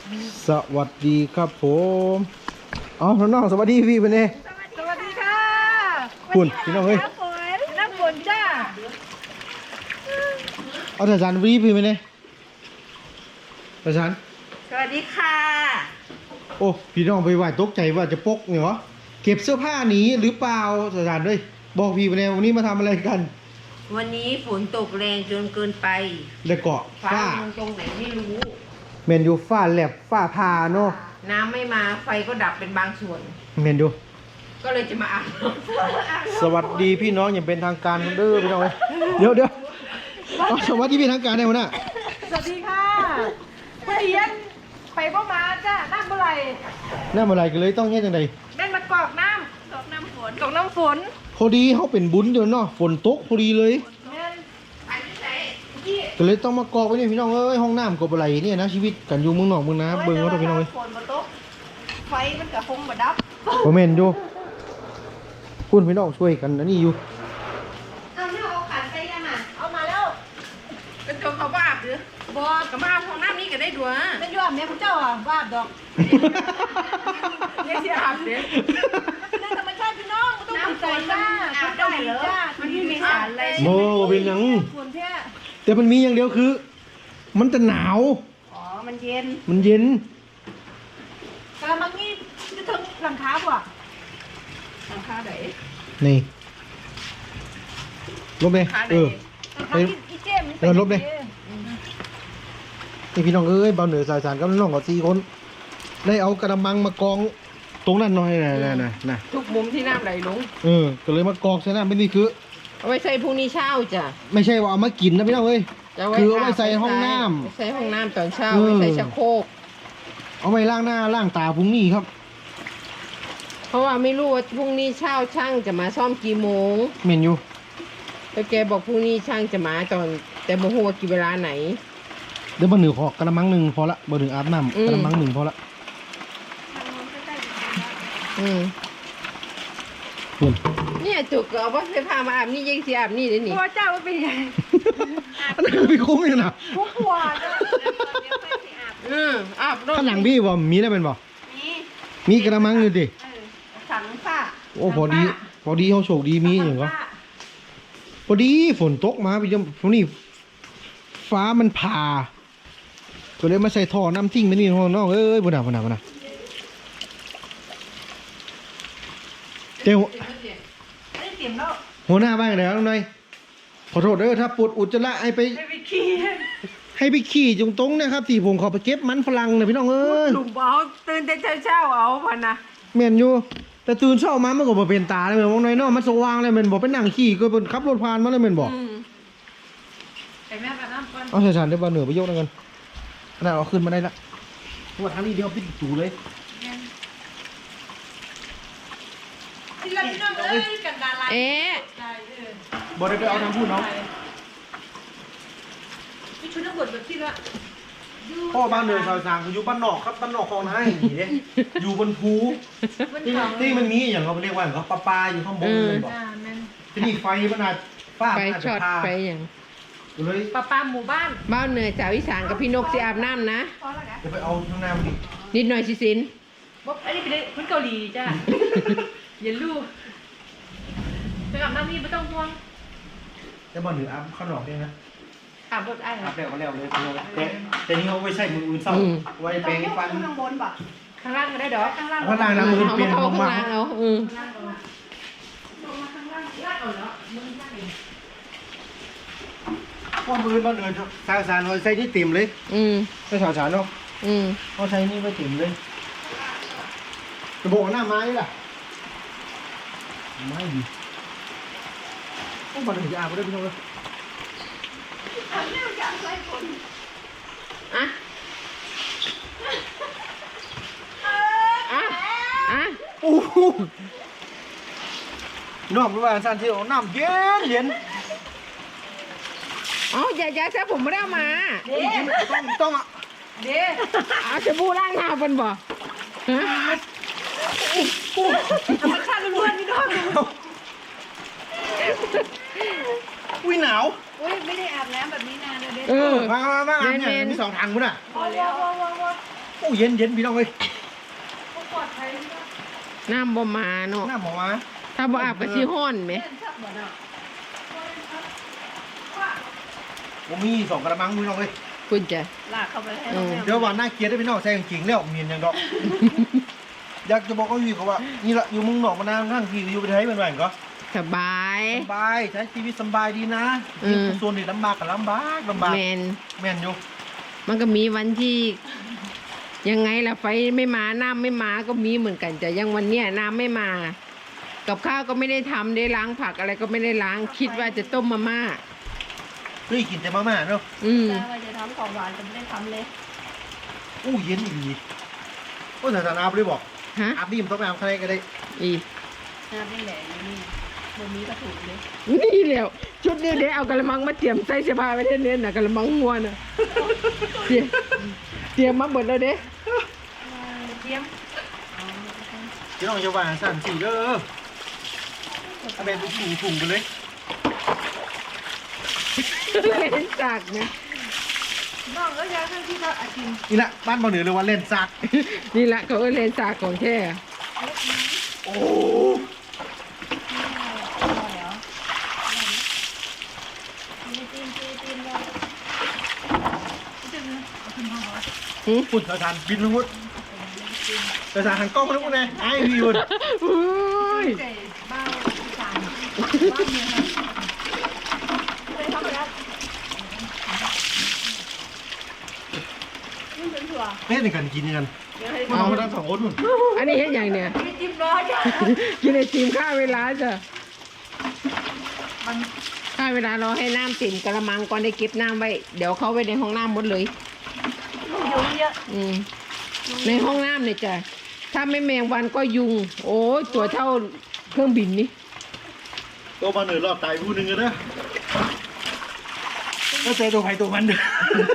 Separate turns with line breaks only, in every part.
สวัสดีครับผมอ๋อน้องๆสวัสดีพี่เป็นไง
สวัสดีค่ะ
คุณพี่น้องเอ้ย
น้ำฝนจ้า
เอาแต่จานวีพี่เป็นไงแต่จาน
สวัสดีค่ะ
โอ้พี่น้องไปไหวตกใจว่าจะปกเนี่ยเหรอเก็บเสื้อผ้าหนีหรือเปล่าแต่จานด้วยบอกพี่เป็นไงวันนี้มาทำอะไรกัน
วันนี้ฝนตกแรงจนเกินไป
แล้วก็
ฟ้า
ฝ้า
ลงตรงไหนไม่รู้
เมนยูฝ้าแลบฝ้าพาเนาะ
น้ำไม่มาไฟก็ดับเป็นบางส่วน
เมนยู
ก็เลยจะมาอาบน้ำ
สวัสดีพี่น้องอย่างเป็นทางการเด้อพี่น้องเอ้ยเดี๋ยวเอาสวัสดีพี่ทางการได้ไหมน่ะ
สวัสดีค่ะเพียนไปบ่มาจ้ะนั่งเมื่อไหร่
หน้าเมื่อไหรกันเลยต้องเฮ็ดจังได
แม่นมากรอกน้ำกรอกน้ำฝนกรอกน้ำฝน
พอดีเขาเป็นบุญเดี๋ยวเนาะฝนตกพอดีเลย
แม่น
ก็เลยต้องมากอกไว้นี่พี่น้องเอ้ยห้องน้ำกบอะไรเนี่ยนะชีวิตกันอยู่เมืองนอกเมืองนาเบิ่งว่าพี่น้องเอ้ย
ฝนมาตกไฟมันกับคงมาดับ
บ่แม่นอยู่คุณพี่น้องช่วยกันอันนี้อยู่
เอาเนี่ยเอาขันไปยังอ่ะเอามาแล้ว
เป็นตัวเขาบ้าบหรือบอกกับมาห้องน้ำนี้ก็ได้ด้วย
เป็นยอดแม่คุณเจ้าอ่ะวาดดอก
เนี่ยที่อาบเนี่ย
ในธรรมชาติพี่น้องมันต้องใจจ้า
อาบได้เหรอ
จ้า
มันไม่มีสารอะไร
โมเป็นหยัง
ฝนแท้
แต่มันมีอย่างเดียวคือ มันจะหนาว
อ๋อมันเย็น
มันเย็น
กระมังนี่จะถึงหลังคาป่ะ
หลังคาไหน
นี่ลบเลย
หลังคาไหน
หลังคาอีเจมนี่
เออลบเลย นี่พี่น้องเอ้ยเบาเหนือสายสารกับน้องกับ4คนได้เอากระมังมากองตรงนั้นหน่อยนะ
ทุกมุมที่น้ำไหลลง
ก็เลยมากอกใช่ไหมไม่นี่คือ
เอาไว้ใส่พรุ่งนี้เช้าจ้ะ
ไม่ใช่ว่าเอามากินนะพี่น้องเอ้ย
จะ
คือเอาไว้ใส่ห้องน้ำ
ไว้ใส่ห้องน้ำตอนเช้า
เออ
ไว้ใส่ชักโครก
เอาไปล้างหน้าล้างตาพรุ่งนี้ครับ
เพราะว่าไม่รู้ว่าพรุ่งนี้เช้าช่างจะมาซ่อมกี่โมง
เมนยู
แล้วแกบอกพรุ่งนี้ช่างจะมาตอนแต่โมโหว่ากี่เวลาไหน
เดี๋ยวเบอร์หนึ่งขอกระมังหนึ่งพอละเบอร์หนึ่งอาบน้ำกระมังหนึ่งพอละ
อืม
เพื่อน
เนี่ยจุกเอาว่าไปพามาอาบนี่ยังสิอาบนี่เลยนี่
กลัวเจ้าว่าเป็นยังไง
อันนั้นคือพี่คุ้งเลยนะ
กลัวจ้ะ
อาบรถ
ข้างหลังพี่บ่มีได้เป็นบ่
มี
มีกระมังอยู่ดิ
ถังฝ้า
โอ้พอดีเขาโชคดีมีอย่างก็พอดีฝนตกมาพี่จำพวกนี้ฟ้ามันผ่าก็เลยมาใส่ท่อน้ำทิ้งไปนี่น้องเอ้ยบ่น่าเจ้า
ไม่ได้เตรียมแล้ว
หัวหน้าบ้านไหนน้องนายขอโทษเด้อถ้าปวดอุจจาระให้ไป
ไม่ไปขี้
ให้ไปขี่ตรงๆนะครับที่ผมขอไปเก็บมันฝรั่งนะพี่น้องเอ้ย
หลุมเอาตื่นแต่เช้าเอาพันนะ
แม่นอยู่แต่ตื่นเช้ามามันก็บ่เป็นตาเลยแม่นบ่น้อยเนาะมันสว่างเลยแม่นบ่ไปนั่งขี่ก็เป็นขับรถผ่านมาเลยแม่นบ่
แต่แม่กับน้ำก่อน
เอาฉันได้บ่เหนือไปยกนั่นกันอันนั้นเอาขึ้นมาได้ละเพราะว่าทางนี้เดียวปิดจูเลย
ที่เราพี่น้องเอ้ยกันดารา
เอ๊ะ
บ่ได้ไปเอาทางพูดเนาะ
พี่ชุดนักบวชแบบที่ละ
พ่อบ้านเหนือชาวสางอยู่บ้านนอกครับบ้านนอกคลองไห้นี่เด้อยู่บนภูที่มันมีอย่างเขาเรียกว่าอย่างเขาปลาอยู่ข้างบนแม่นบ่
แม่น
ที่นี่ไฟมันอาจฟ้า
ไป
มันอาจ
ช็
จะ
อต
พา
ไปอย่าง
ก็เลย
ปลาหมู่บ้าน
บ้านเหนือสาวอีสานกับพี่นกสิอาบน้ำนะ
พอแล้วนะ
จะไปเอาทางน้ำดิ
นิดหน่อยสิสิน
บอกอันนี้เป็นคนเกาหลีจ้ะอย่าลูกไปอาบน้ำนี่ไม่ต้องห่วง
แต่บ้านเหนืออาบข้างนอกเนี่ยนะ
อาบรถไอ้
อาบแล้วก็แล้วเลยแต่นี่เขาไว้ใช้มืออื่นเศร้าไว้แปรงฟัน
ข้างบนป่ะ
ข้างล่างก็ได้ดอก
ข้างล่าง
ข้างล่างนะมือ
เอา
เปลี่
มาย
น
เข้า
ลง
ข้าง
มา
ล่างเอา
ข้อมือบ้านเหนือชาวสารเขาใช้นี่เต็มเลย
อืม
ใช้ชาวสารเนาะ
อืม
เขาใช้นี่ไว้เต็มเลยจะบอกว่าหน้าไม้ล่ะไม้ดีโอ้บ้านเหนือจะอาบได้พี่น้องเลย
อ่ะอ่ะอ่ะ
โอ้โหน้องประมาณสั้นที่น้ำเย็นเย็น
อ๋ออย่าซะผมไม่ได้เอามา
ต้องอ่ะ
เด้
เอาจะบูล้างหน้าเป็นบ่ฮะ
ธรรมชาติล้วนๆพี่น้อง
อุ้ยหนาว
อุ้ยไม่ได้อาบน้ำแบบนี้นานเลยเด้
เออ
มาอาบเนี่ยมี2 ถังมั้งน่ะ
พอแล้วพอเสร็
อ้เย็นเย็นพี่น้องเอ้ย
เขาปลอดภัยที่ว่า
น้ำบ่มาเนาะ
หน้าหมอมา
ถ้าบ่อาบก็สิฮ้อนไหม
เล่นชักบ่เนาะ
ผมมี2กระมังพี่น้องเอ้ย
คุณจะ
ลากเข้าไปให้น้องแมว
เดี๋ยววันหน้าเกลียดได้พี่น้องใส่กางเกงแล้วเมียนยังดอก อยากจะบอกเขาอยู่เขาว่านี่ละอยู่เมึงนอกมานานทั้งที่อยู่ประเทศเป็นไงก็
สบาย
สบายใช้ชีวิตสบายดีนะ
อืม
ส่วนนี้ลำบากกับลำบาก
แมน
แม่นอยู่
มันก็มีวันที่ ยังไงล่ะไฟไม่มาน้ำไม่มาก็มีเหมือนกันแต่ยังวันเนี้ยน้ำไม่มา กับข้าวก็ไม่ได้ทำได้ล้างผักอะไรก็ไม่ได้ล้างคิดว่าจะต้มมาม่า
เฮ้ยกินแต่มาม่าเนาะ
อืม
แต่ว่าจะทำของหวานจะไม่ได้ทำเลย
อู้เย็นอีกดีโอ้ยสารอาบเลยบอก
ฮะ
อาบนี่มันต้องไปอาบข้างในก็ได้
อี
น้ำนี่แหละนี่บนนี้ก็ถูกเลย
นี่แหล้วชุดนี้เดี๋ยวเอากระมังมาเตรียมใส่เสื้อผ้าไว้เท่านี้น่ะกระมังงัวน่ะเตรียมมาหมดแล้วเด้
เทียม
พี่น้องจะวางสั่นสีเด้อเอาแบบถุงไปเลย
เล่นสากนะ
น้องก็อยากให้ที่เราอากิน
นี่แหละบ้านบ่เหนือเลยว่าเล่นซัก
นี่แหละเขาก็เล่นสากของแท้
โอ้
หืม
ฝุ่นสารบินทั้งหมดสารหันกล้องมาทุกคนเลยไอ้พี่คุณ
อุ้ย
ใส่เบ้าสามบ้าเมียเลยทำไปแล้วนี่เป็นถั่ว
เล่นกันกินกัน
เดี๋ยวให้
มันเอามาทั้ง2 คนนู่น
อันนี้เห็นอย่างเนี่ย
ไม่จิ้มร้อนจ้ะ
กินไอติมค่าเวลาจ้ะ
มัน
ค่าเวลารอให้น้ำติ่มกระมังก่อนได้เก็บน้ำไว้ เดี๋ยวเขาไว้ในห้องน้ำหมดเลย
ยุงเยอะ
อืมในห้องน้ำเนี่ยจ้ะถ้าไม่แมงวันก็ยุง โอ้ยตัวเท่าเครื่องบินนี่
ตัวมาเหนือรอดตายผู้หนึ่งเลยนะก็เจอตัวไผ่ตัวมันเด้อ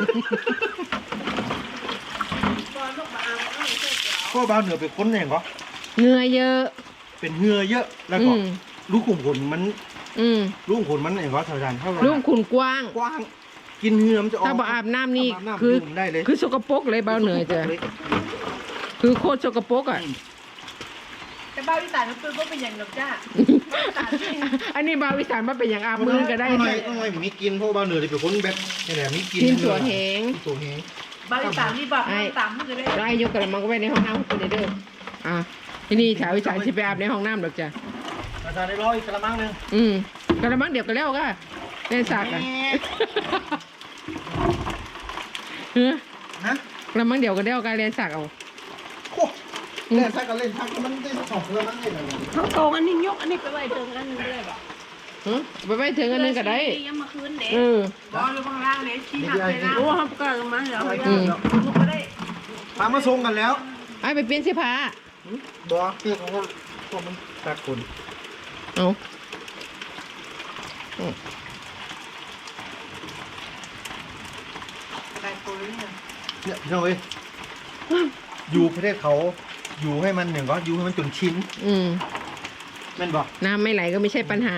ตอนลูกมาเอาเอาเสร็จแล้ว
ก็บ้านเหนือเป็นคนอย่างก็
เหงื่อเยอะ
เป็นเหงื่อเยอะแล้วก็
อืม
ลูกขุมขนมัน
อืม
ลูกขุมขนมันอย่างก็สารเท่าไหร่
ลูกขุนกว้าง
กว้างกินเหงื่อมันจะออก
ถ้าบ่อาบน้ำนี่
อาบน้ำ
คือ
ดูดได้เลย
คือสกปรกเลยเบาเหนือจ้ะคือโคตรสกปรกอ่ะ
แต่บ้าวิสานมันเป็นก็เป็นอย่างหนกจ้าบ้าวิสานที่
อันนี้บาวอีสานมาเป็นอย่างอาบมือก็ได้
ต้องให้มีกินเพราะบ้านเหนือเป็นคนแบบนี่แหละมีกิน
กินตัวแหง
กินตัวแหง
บ้าวิสานนี่บอกตามมันจะได้
ได้ยกกระมังก็ไว้ในห้องน้ำคุณเด้ออ่ะที่นี่ชาวอีสานสิไปอาบในห้องน้ำหรอกจ้ะ
อาจารย์ได้ร้อยกระมังหนึง
อืมกระมังเดี๋ยวก็แล้วก็เล่นสากอ่ะเฮ้ย
ฮะ
กระมังเดี๋ยวก็แล้วก็เล่นสากเอา
โอ้เล่นซักกันเล่นซักมันได้2 กระมังเลยนะ
เขาโกงอันนี้ยกอันนี้ไปไว้เติมอันนึงเลยแบบ
ฮะไปไปถึงอันนึงก็ได้
ยังมาคืนเด็ก
เออ
บอลอยู่ข้างล่างเลยชี้หักเลยนะโอ้เขาก็มาเหรอ
อืม
ลูกก็ได้
พามาส่งกันแล้ว
ไอ้ไปเปลี่ยนเสื้อผ้า
บัวเกี่ยวกับพวกมันซักคน
เอา
แต่ตัวนี้
เนี่ยพี่น้องเอ้ยอยู่ประเทศเขาอยู่ให้มันอย่างก็อยู่ให้มันจนชิ้น
อืม
แม่นบอก
น้ำไม่ไหลก็ไม่ใช่ปัญหา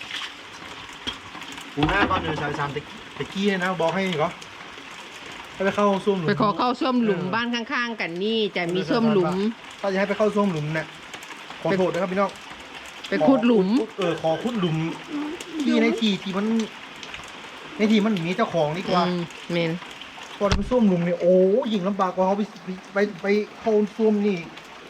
กูหน้าบ้านเหนือสามตะกี้ให้นะบอกให้ก็ให้ไปเข้าส้วมหลุม
ไปขอเข้าส้วมหลุมบ้านข้างๆกันนี่จะมีส้วมหลุม
ถ้าจะให้ไปเข้าส้วมหลุมเนี่ยขอโทษนะครับพี่น้อง
ไปขุดหลุม
ขอขุดหลุมที่ในที่มันในที่มันมีเจ้าของดีกว่า
อืมเมน
พอเป็นส้วมหลุมเนี่ยโอ้ยิ่งลำบากกว่าเขาไปเข้าส้วมนี่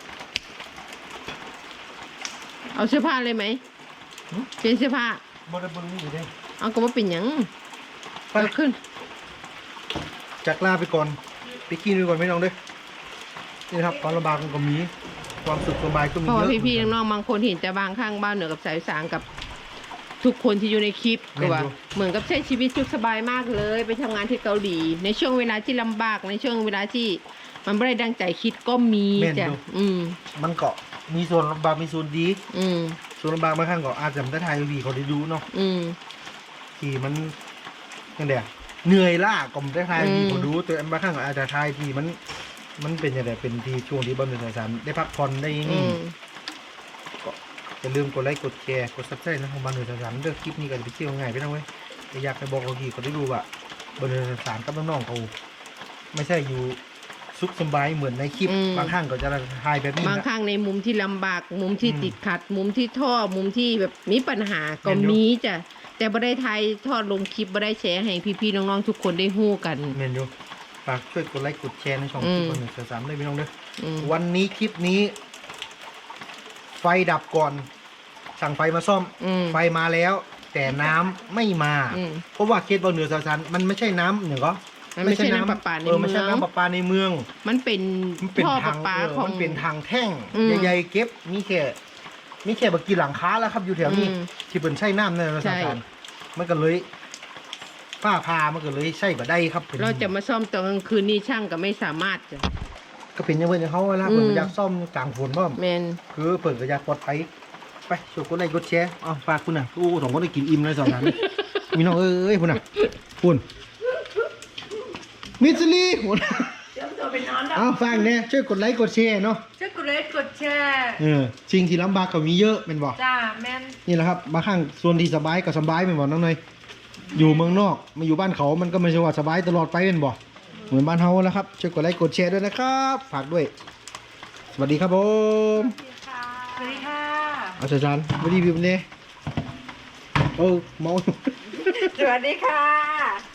เอาเสื้อผ้าเลยไหม
หืม
เปลี่ยนเสื้อผ้า
บริบูรณ์นี่อยู่ได้
เอาก็ว่าเป็นหยัง
ไป
เอาขึ้น
จากลาไปก่อนไปกินไปก่อนไม่น้องเด้อนี่นะครับความลำบากมันก็มีความสุขสบายก็มี
เพราะ
เย
ว่า
อะ
พี่ๆน้องๆบางคนเห็นแต่บางข้างบ้านเหนือกับสายสางกับ ทุกคนที่อยู่ในคลิปก็ว่า เหมือนกับใช้ชีวิตสุขสบายมากเลย ไปทำงานที่เกาหลี ในช่วงเวลาที่ลำบากในช่วงเวลาที่มันไม่ได้ดังใจคิดก็มีจ้ะอืม
มันก็มีส่วนลำบากมีส่วนดี
อืม
ส่วนลำบากบางครั้งก็อาจจะไม่ได้ทายวีเขาได้ดูเนาะ
อืม
ที่มันยังไงอะเหนื่อยล้าก็ไม่ได้ทายวี
อืม
เขาดูแต่บางครั้งก็อาจจะทายที่มันเป็นยังไงเป็นที่ช่วงที่บอลเป็นสารได้พักผ่อนได้
อื
นี่
ม
ก็อย่าลืมกดไลค์กดแชร์กดซับสไครต์นะของบอลเป็นสารเลือกคลิปนี้กันไปเที่ยวง่ายไปนะเว้ยแต่อยากให้บอกเขาทีเขาได้ดูว่าบอลเป็นสารกับน้องๆเขาไม่ใช่อยู่สุขสบายเหมือนในคลิป
อืม
บางครั้งก็จะถ่ายแบบนี้
บาง
นะ
ครั้งในมุมที่ลำบาก มุมที่
อืม
ติดขัด มุมที่ท่อมุมที่แบบมีปัญหาก็
แม่นอยู่
มีจ้ะแต่บ่ได้ถ่ายทอดลงคลิปบ่ได้แชร์ให้พี่ๆน้องๆทุกคนได้ฮู้กัน
เมนยูฝากช่วยกดไลค์กดแชร์ในช่อง
อื
คลิ
ม
ปวันหนึ่งสามได้พี่น้องเด้อ
อืม
วันนี้คลิปนี้ ไฟดับก่อน สั่งไฟมาซ่อม
อืม
ไฟมาแล้ว แต่น้ำไม่มา
อืม
เพราะว่าเคสบอลเหนือสารมันไม่ใช่น้ำเหนือก็
มันไม่ใช่น้ำประปาใน
ไม่ใช่
เมือง
น้ำประปาในเมือง
มันเป็น
มันเป็น
ท่อป
ทา
ระ
ง
ปา
เออ
ของ
มันเป็นทางแท่ง
อืม
ใหญ่ๆเก็บมีแค่บักกี่หลังคาแล้วครับอยู่แถวนี้
อืม
ที่เป็นใช้น้ำในส
ใช่
ารมันก็เลยฝ้าพามันก็เลยใช่บ่ได้ครับ
เราจะมาซ่อมตอนกลางคืนนี่ช่างก็ไม่สามารถจ้ะ
ก็เป็นอยังเพื่อนเขาแล้ว
อืม
เปิดอยากซ่อมกลางฝนบ้าง
แมน
คือเปิดก็อยากปลอดภัยไปช่วยกดไลค์กดแชร์อ๋อฝากคุณน่ะโอ้สองคนได้กินอิ่มเลยสองนั้น มีน้องเอ้ยคุณน่ะคุณมิสลีคุณ
เดี๋ยวตัวไปนอนแล้ว
เอาฟังเนี่ยช่วยกดไลค์กดแชร์เนาะ
ช่วยกดไลค์กดแชร์
สิ่งที่ลำบากก็มีเยอะเป็นบอก
จ้าแม่น
นี่แหละครับบางครั้งส่วนที่สบายก็สบายเป็นบอกน้องเนยอยู่เมืองนอกมาอยู่บ้านเขามันก็ไม่ใช่ว่าสบายตลอดไปเป็นบอกเหมือนบ้านเฮาแล้วครับช่วยกดไลค์กดแชร์ด้วยนะครับฝากด้วย สวัสดีครับผม
สวัสดีค่ะ
อาจารย์ไม่ดีวิวเนี่ยโอ้เมา
สวัสดีค่ะ